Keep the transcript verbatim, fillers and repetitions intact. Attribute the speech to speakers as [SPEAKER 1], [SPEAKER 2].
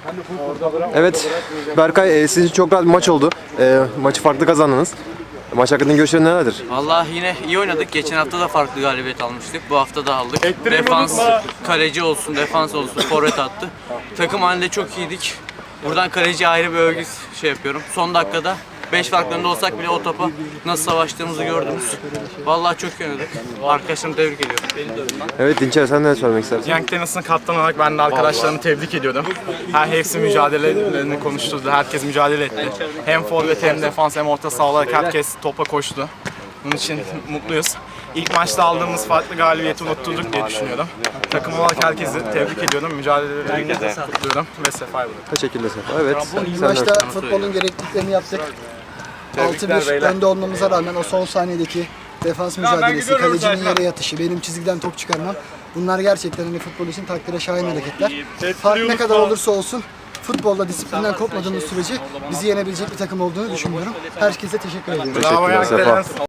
[SPEAKER 1] Evet, Berkay, e, sizin için çok rahat bir maç oldu. E, maçı farklı kazandınız. Maç hakkında görüşlerin nelerdir?
[SPEAKER 2] Vallahi yine iyi oynadık. Geçen hafta da farklı galibiyet almıştık. Bu hafta da aldık. Defans, kaleci olsun, defans olsun, forvet attı. Takım halinde çok iyiydik. Buradan kaleciye ayrı bir övgü şey yapıyorum. Son dakikada beş farklarında olsak bile o topa nasıl savaştığımızı gördünüz. Vallahi çok iyi oynadık. Arkadaşlarımı tebrik ediyorum.
[SPEAKER 1] Evet Dinçer, sen ne söylemek istersin?
[SPEAKER 3] Young Tennis'ın kaptanı olarak ben de arkadaşlarımı tebrik ediyorum. Her hepsi mücadelelerini konuşturdu. Herkes mücadele etti. Hem forvet hem defans hem orta saha olarak herkes topa koştu. Bunun için mutluyuz. İlk maçta aldığımız farklı galibiyeti unutturduk diye düşünüyorum. Takım olarak herkesi tebrik ediyorum. Mücadelelerini de kutluyorum ve sefayı buluyorum.
[SPEAKER 1] Teşekkürler Sefa. Evet,
[SPEAKER 4] İlk
[SPEAKER 1] sen
[SPEAKER 4] maçta
[SPEAKER 1] ne-
[SPEAKER 4] futbolun gerekliliklerini yaptık. altı
[SPEAKER 3] Tebrikler
[SPEAKER 4] bir
[SPEAKER 3] beyler.
[SPEAKER 4] önde olmamıza rağmen o son saniyedeki defans mücadelesi, kalecinin yere yatışı, benim çizgiden top çıkarmam. Bunlar gerçekten hani futbol için takdire şayan hareketler. Fark ne kadar olursa olsun futbolda disiplinden kopmadığımız sürece bizi yenebilecek bir takım olduğunu düşünüyorum. Herkese teşekkür ediyorum.
[SPEAKER 3] Bravo
[SPEAKER 1] Teşekkürler
[SPEAKER 3] Young
[SPEAKER 1] Sefa.
[SPEAKER 3] Tennis.